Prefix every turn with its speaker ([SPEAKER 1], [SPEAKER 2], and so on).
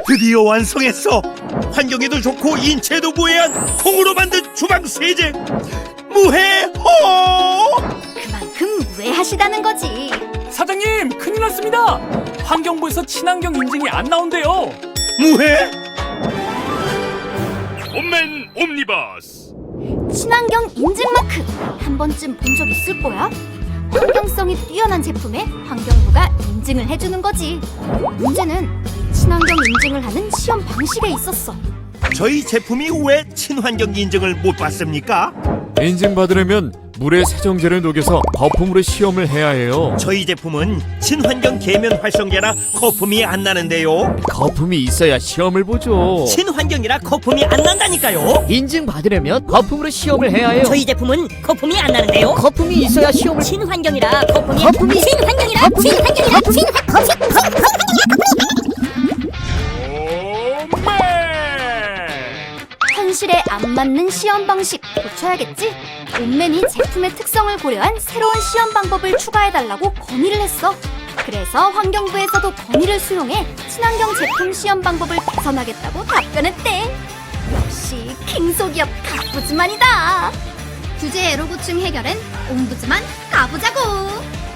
[SPEAKER 1] 드디어 완성했어. 환경에도 좋고 인체에도 무해한 콩으로 만든 주방 세제. 무해호.
[SPEAKER 2] 그만큼 무해하시다는 거지.
[SPEAKER 3] 사장님, 큰일 났습니다. 환경부에서 친환경 인증이 안 나온대요.
[SPEAKER 1] 무해?
[SPEAKER 4] 홈맨 옴니버스.
[SPEAKER 2] 친환경 인증 마크 한 번쯤 본 적 있을 거야. 환경성이 뛰어난 제품에 환경부가 인증을 해주는 거지. 문제는 이 친환경 인증을 하는 시험 방식에 있었어.
[SPEAKER 1] 저희 제품이 왜 친환경 인증을 못 받습니까?
[SPEAKER 5] 인증받으려면 물에 세정제를 녹여서 거품으로 시험을 해야 해요.
[SPEAKER 1] 저희 제품은 친환경 계면 활성제라 거품이 안 나는데요.
[SPEAKER 5] 거품이 있어야 시험을 보죠.
[SPEAKER 6] 친환경이라 거품이 안 난다니까요.
[SPEAKER 7] 인증받으려면 거품으로 시험을 해야 해요.
[SPEAKER 6] 저희 제품은 거품이 안 나는데요.
[SPEAKER 7] 거품이 있어야 시험을.
[SPEAKER 6] 친환경이라 거품이
[SPEAKER 2] 친환경이라 현실에 안 맞는 시험 방식 고쳐야겠지? 옴맨이 제품의 특성을 고려한 새로운 시험 방법을 추가해달라고 건의를 했어. 그래서 환경부에서도 건의를 수용해 친환경 제품 시험 방법을 개선하겠다고 답변했대. 역시 킹소기업 가부즈만이다. 규제 애로 고충 해결엔 옴부즈만 가보자고.